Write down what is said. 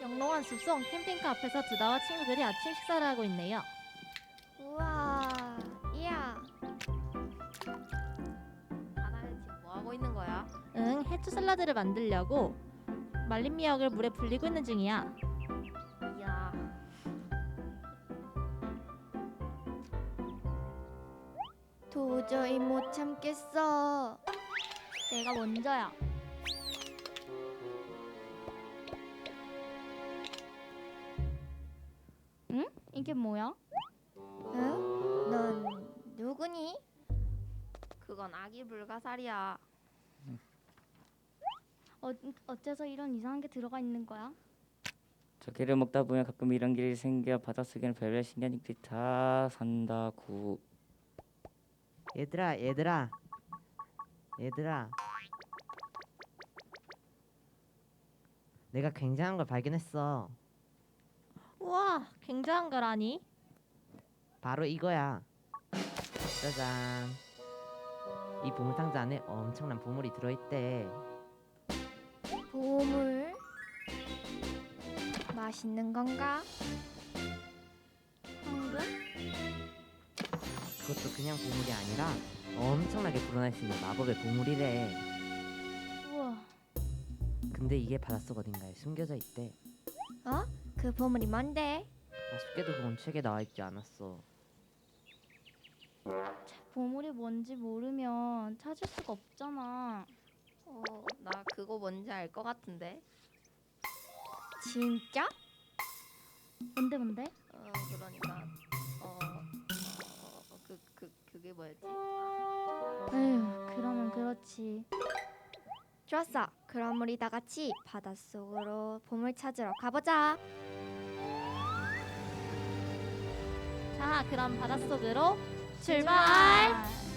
영롱한 숲속 캠핑카 앞에서 두다와 친구들이 아침 식사를 하고 있네요. 우와, 이야. 하나는 지금 뭐 하고 있는 거야? 응, 해초 샐러드를 만들려고 말린 미역을 물에 불리고 있는 중이야. 이야, 도저히 못 참겠어. 내가 먼저야. 응? 이게 뭐야? 응? 넌 누구니? 그건 아기 불가사리야. 어째서 이런 이상한 게 들어가 있는 거야? 저기를 먹다 보면 가끔 이런 길이 생겨. 바닷속에는 별별 신기한들이 다 산다구. 얘들아 내가 굉장한 걸 발견했어. 우와, 굉장한 거라니? 바로 이거야. 짜잔. 이 보물상자 안에 엄청난 보물이 들어있대. 보물? 맛있는 건가? 황금? 그것도 그냥 보물이 아니라 엄청나게 불어날 수 있는 마법의 보물이래. 우와, 근데 이게 바닷속 어딘가에 숨겨져 있대. 어? 그 보물이 뭔데? 아쉽게도 그건 책에 나와 있지 않았어. 보물이 뭔지 모르면 찾을 수가 없잖아. 나 그거 뭔지 알 것 같은데. 진짜? 뭔데? 그러니까 그게 뭐였지? 에휴, 그러면 그렇지. 좋았어. 그럼 우리 다 같이 바닷속으로 보물 찾으러 가보자. 자, 그럼 바닷속으로 출발!